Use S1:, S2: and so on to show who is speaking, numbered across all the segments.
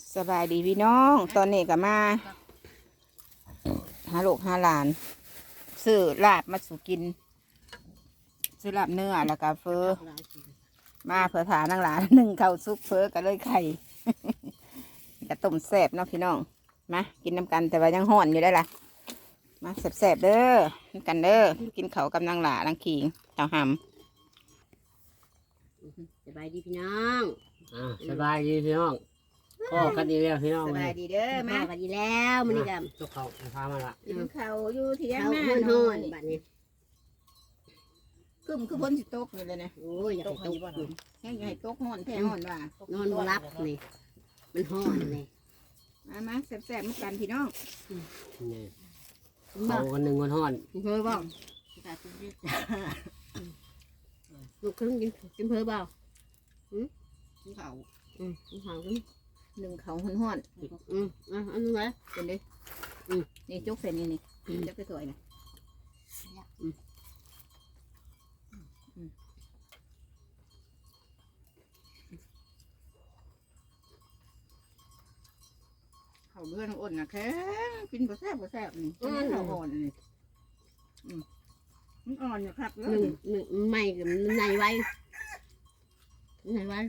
S1: สบายดีพี่น้องตอนนี้ก็มาหาลูกหาหลานซื้อลาบมาสู่กินซื้อลาบเนื้อแล้วก็เฟอมาเผื่อถานางหลานหนึ่งข้าวซุปเฟอก็เลยไข่ กระต้มแซ่บเนาะพี่น้องมากินน้ำกันแต่ว่ายังห่อนอยู่ได้ล่ะมาแซ่บๆเด้อกันเด้อกินเขาวกับนางหลานางขิงเต่าหำ
S2: สบายดีพี่น้อง
S3: สบายดีพี่น้องพ่อกันดีแล้วพี่น้อง
S1: สบายดีเด้อ
S2: มา
S1: มา
S2: กันดีแล้วมันนี่กัน
S3: ทุกเขาพามาละ
S1: กินเขาวอยู่เที่ยง
S2: เขา
S1: หน้า
S2: ห้อน
S1: น
S2: ห้อ
S1: อน
S2: นบัดนี้
S1: คือพ้นสิตกอยู่เลยนะ
S2: โอ้ยอยากให้ตก
S1: แห้งใหญ่ตกห่อนแท้ห่อนว่ะ
S2: นอนบ่รับนี่มันห้อนนี่
S1: มาแซ่บๆมากันพี่น้อง
S3: นี่เขากันหนึ่งวันห้อน
S2: เพิ่อบ่ลูกครึ่งกินเพิ่อบ่
S1: กินเขาว
S2: กินข้าวกัน
S1: หนึ่งเขาห่อน
S2: อันนี้ไหม
S1: ๆเป็นดินี่จุกเส้นนี่จะไปสวยนะเขาเลื่อนอ่อนนะแค่กินก็แซ่บนี่เขาอ่อนนี่มันอ่อนอยู่ครับ
S2: หนึ่งไม่กับในไว้ในไว้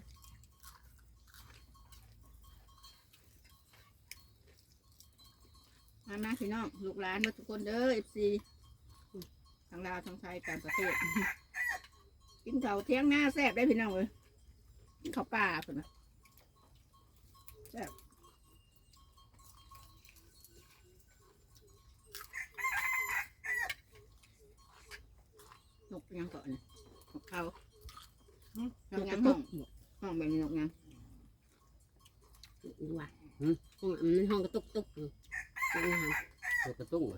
S1: มาพี่น้องลูกหลานมาทุกคนเด้อFC ทางลาวทางไทยต่างประเทศ กินข้าวเที่ยงหน้าแซ่บได้พี่น้องเลยกินข้าวปลาเพิ่นนะแซ่บนกยังก่อนนะนกเขานกยังห้องแบบนี้นกยัง
S2: ว่ามันห้องกระตุกตุกนี่ฮะ
S3: ตัวกระตุ้ง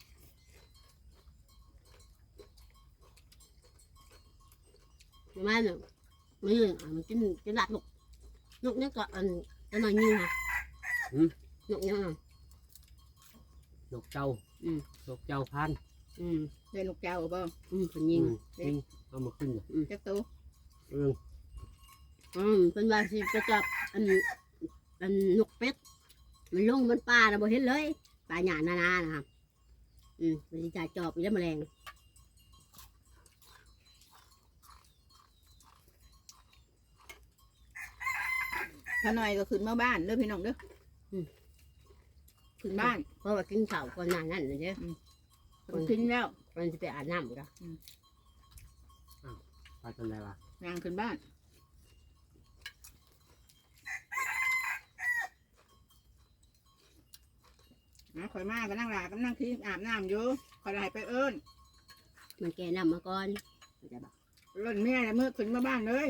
S2: มาเนี่ยมันกินหลักนกนี่ก็อันจะหน่อยนึงค่ะนกนี่อ่ะ
S3: นกเจ้านกเจ้าพัน
S1: ได้นกเจ้าบ่
S2: เป็นยิง
S3: ยิงเอามาขึ้น
S1: จักตัว
S2: เป็นว่าสิจะจับอันนกเป็ดมันลงมันป่าเราบ่เห็นเลยป่าหยานานะครับมันจะจอบอีแล้วแมลง
S1: ถ้าหน่อยก็ขึ้นมาบ้านเด้อพี่น้องเด้อขึ้นบ้าน
S2: เพราะว่ากินข้าวก่อนหน้านั้นเลยเด้อ
S1: มันขึ้นแล้ว
S2: มันจะไปอาบน้ำกัน
S3: ไปจนไหนวะ
S1: นางขึ้นบ้านข่อยมาก็นั่งหลาก็นั่งคิดอาบน้ำอยู่ข่อยไหลไปเอิ้น
S2: มันแก่น้ำมาก่อนจะบอก
S1: เล่นแม่แล้วมือขึ้นมาบ้านเลย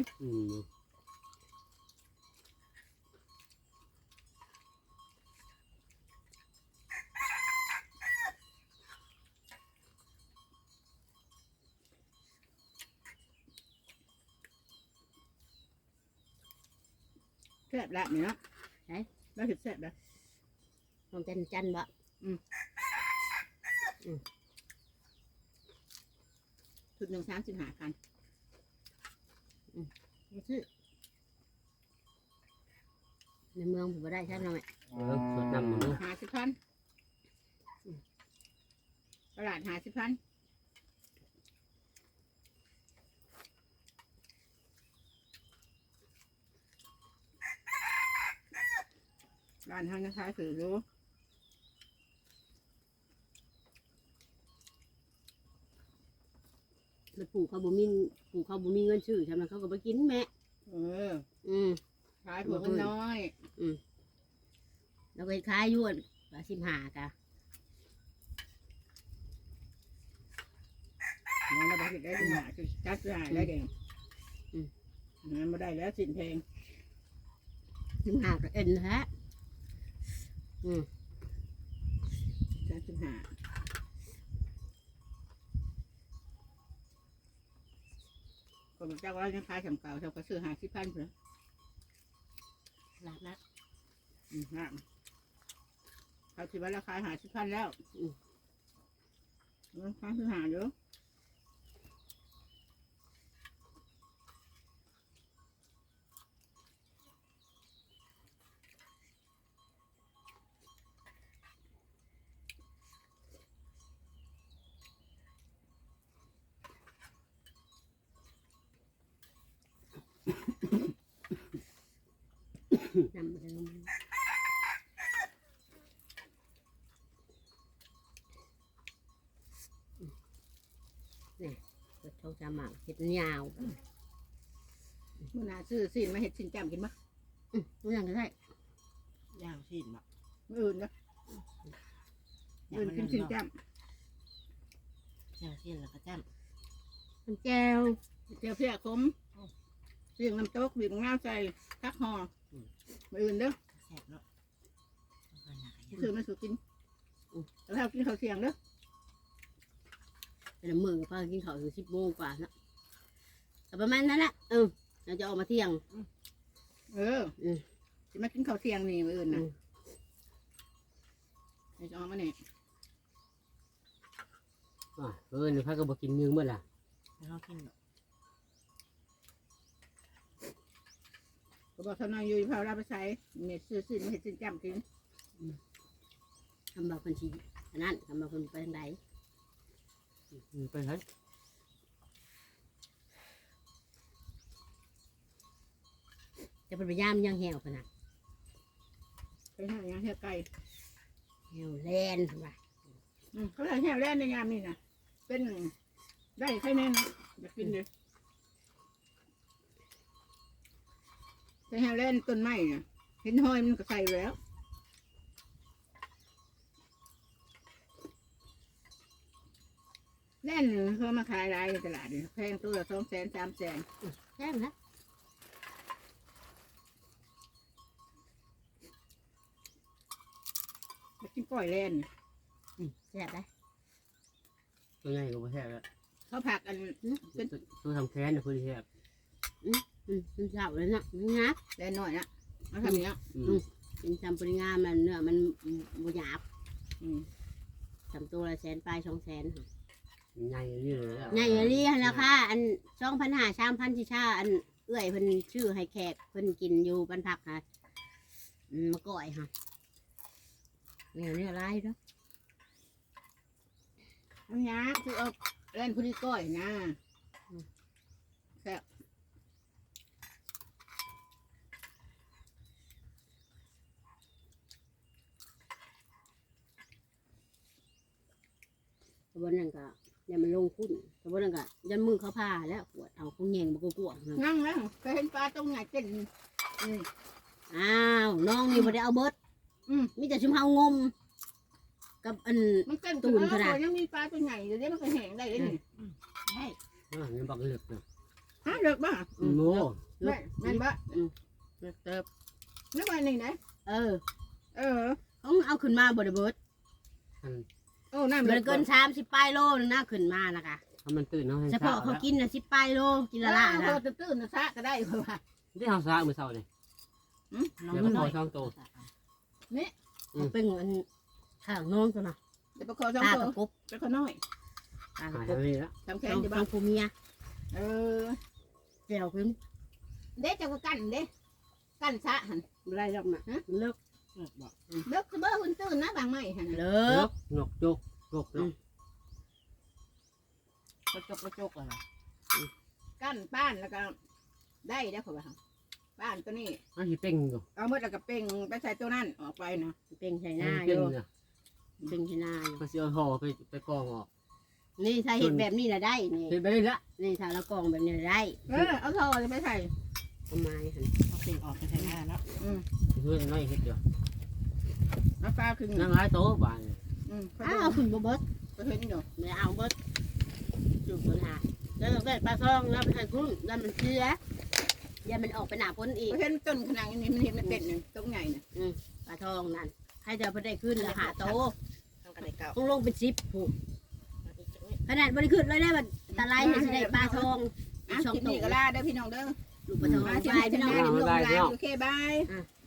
S1: แซ่บละเนี่ยเนาะแล้วถึงแซ่บละ
S2: ลองจันบ่
S1: ชุดหนึ่ง35,000
S2: ซื้อในเมืองผมได้ใช่ไหม
S3: สดน้ำมันด้วย
S1: 50,000ตลาด50,000ร้านทางนะคะถือรู้
S2: แล้วปลูกเขาบ่มีเงินซื้อใช่ไหมเขาก็ไปกินแม่
S1: ขายผัวมันน้อย
S2: เราไปขายยวด15กะ
S1: เราไปได้ถึงหาจัดหาได้เก่งงั้นมาได้แล้วสินเพลง
S2: 15ก็เอ็นฮะ
S1: จัดหาคนเจ้าว่ายังขายสำเก่าเท่ากับซื้อ50,000เพื่อ
S2: หลักนะ
S1: นะเขาคิดว่าราคา50,000แล้วราคาคือหาเยอะ
S2: นำไปลงนี่เปิดช่องจาหมากเห็ดยาว
S1: มื้อหน้าซื้อซีนมาเฮ็ดซีนแจ่มกินบ่
S2: ตัวอย่างก็ได้
S4: ย่างชิ้นบ่
S1: มื้ออื่นเด้อมื้ออื่นกินซีนแจ่ม
S4: ย่างชิ้นแล้วก็จ้
S2: มันแก้ว
S1: เจียวเพียขมเสียงน้ำตกบีบงาวใส่ตักห่อมื้ออื่นเด้อ
S4: ำแซ่บเนาะ
S1: ซื้อมาสู่กินแล้วกินข้าวเที่ยงเด้อ
S2: เป็นมือป้ากินข้าวถึง10 โมงกว่านะแต่ประมาณนั้นแหละเราจะออกมาเที่ยง
S1: สิมากินข้าวเที่ยงนี่มื้ออื่นน่ะให้จะเอามานี่
S3: เดี๋ยวพาก็บ่กินยืงเมื่อล่ะ
S4: ไม่ต้องกินหรอก
S1: ก็บอกทำนายอยู่พาเราไปใช้เม็ดซื้อซีนมาเฮ็ดซีนแจ่มกิน
S2: ทำบอกคนชีอันนั้นทำบอกคนไปทางใด
S3: ไปไหน
S2: จะเป็นพยายามยังแหวขนาด
S1: ไปหาอย่างเฮียไก่
S2: แหวแลนถูกป่ะ
S1: เขาได้แห้วแล่นในยามนี่นะเป็นได้แค่นี้นะอยากกินเลยแต่แห้วแล่นต้นไม้น่ะเห็นห้อยมันก็ใส่แล้วแล่นเขามาขายรายในตลาดนี่แพงตัวละ200,000 300,000
S2: แซ่บนะ
S1: มากินปล่อยแล่น
S2: แซ่บได้
S3: ตัวใหญ่ก็บ่แซ่บแล้ว
S1: เขาผักอัน
S3: ตัวทำแค้นนะคือแซ่บ
S2: มันเจ้าเลยนะมันงับ
S1: แล่นน้อยนะมาทำอย่างเงี้ย
S2: เป็นทำปริงามมันเนื้อมันบหยาบ
S1: อืม
S2: ทำตัวละ100,000 ปลาย 200,000
S3: ใหญ่นี่เลย
S2: ใหญ่เลยราคาอัน2,500 3,000ที่ชาอันเอื้อยเพิ่นชื่อให้แขกเพิ่นกินอยู่บ้านพักค่ะมาก่อยค่ะเนี่ยอะไรเนาะ
S1: อันนี้คือเอาแล่นผู้ที่ก้อยนะแซ่บ
S2: แต่วันนั้นก็เนี่ยมันลงทุนแต่วันนั้นก็ยันมือเขาพาแล้วปวดเอาเขาแยงมากวงๆ
S1: นั่งแล้วเคยเห็นปลาตรงไหนเต้น
S2: อ้าวน้องนี่บ่ได้เอาเบิดมีแต่ชุมเฮางม กับอัน
S1: มันเต้น
S2: ตูนขนาด
S1: ยังมีปลาตัวใหญ่เดี๋ยวนี้มันก็แห้งได้เลยนี่
S4: ใช่
S3: นี่บักเหลือกนะ
S1: ฮะเลิกบ้า
S3: โม่
S1: แม่นบ้า
S4: เลิกเติบ
S1: นึกว่านี่ไหน
S2: เออ
S1: เขา
S2: เอาขึ้นมาบ่ได้เบิด
S1: โอ้น้ำ
S2: มันเกิน30 ปลายโลนึงนะขึ้นมานะคะ
S3: ถ้ามันตื่นเขาให้
S2: เฉพาะเขากินน่ะ10 ปลายโลกินละละ
S1: เขา
S2: นะ
S1: ตื้นๆนะซะก็ได้เพราะว่า
S3: ที่เขาซาเมื่อเช้านี่
S4: น้อง
S3: แล้ว
S4: มั
S3: ก็
S4: น
S3: พ
S4: น้
S3: อ
S4: อย
S3: ช่องโต
S2: เป็นอันข้างน้องตัวน่ะ
S1: เดี๋ยวไปขอสอง
S2: ตา
S1: ตั
S2: กั
S1: ว
S2: บกบ
S1: ไปขอน้อย
S2: ตา
S3: หา
S2: กับ
S3: ย
S2: กบ
S3: ไปแล้ว
S1: ทำแข
S2: น้
S1: น
S2: อง
S1: อยู่
S2: ฟั
S1: บ้าง
S2: งผู้เมีย
S1: เออ
S2: แก้วขึ้น
S1: เด็กจะก็กันเด้กันซะหัน
S2: บ่ได้ดอกน่ะเลิก
S4: เลิกบอก
S1: เลิกคือเบอร์หุ่นตื้นนะบางไม่หัน
S2: เลิ
S3: น
S2: ก
S3: กนกจกจกเนาะ
S4: กระจกกระจกอะไร
S1: กันป้านแล้วก็ได้ได้เพราะว่าป้านตัวนี้
S3: มันสิเป่งอยู่
S1: เอาเมื่อแล้วก็เป่งไปใส่ตัวนั้นออกไปนะ
S2: เป็นใส่ห
S3: มั
S2: น้าน อ
S3: เป่ง
S2: ยู่
S3: เนี่ย
S2: เป็นใส่หน้าอยู่
S3: มันสิเอาห่อไปกองออก
S2: นี่ถ้าเห็ดแบบนี้น่ะได้นี่
S3: เห็นไปเลยละ
S2: นี่ถ้าเรากรองแบบนี้น่ะได้
S1: เอาทอจะไปใส่
S2: เอาไม้หั่น
S4: เอาเปลี่ยนออกไปใช้งานแล้ว
S3: เพื่อนน้อยเฮ็ดอยู่
S1: เอาปลาขึ้น
S3: นั่งหลายโต๊ะบ้าน
S2: อ้าวเอาขึ้นบ่เบิด
S1: ก็เห็นอยู่
S2: ไม่เอาเบิดจุดปัญหาแล้วเราได้ปลาซองแล้วไปใส่กุ้งแล้วมันเชื้ออย่ามันออกไปหนาพ้นอีก
S1: ก็เห็นต้นขนาดนี้มันเห็นมันเป็นตรงใหญ่น่ะ
S2: ปลาทองนั่นให้จะไปได้ขึ้นราคาโต
S4: ทำกันในเก่า
S2: ต้องลงเป็น10ผูกขนาดบริขึ้นเลยได้บัดตะไลเห็นสิได้ปลาทอง
S1: อ่ะ
S2: ช่อง
S1: คลิป
S2: โต
S1: นี้ก็ลาเด้อพี่น้องเด้อ
S2: ลูกปลาทอง
S1: มาเชีย
S2: บาย
S1: ร์
S2: พี่
S1: พี่
S2: น้
S1: น้
S2: อ
S1: อง ง
S3: บ๊ายบาย
S1: โอเคบาย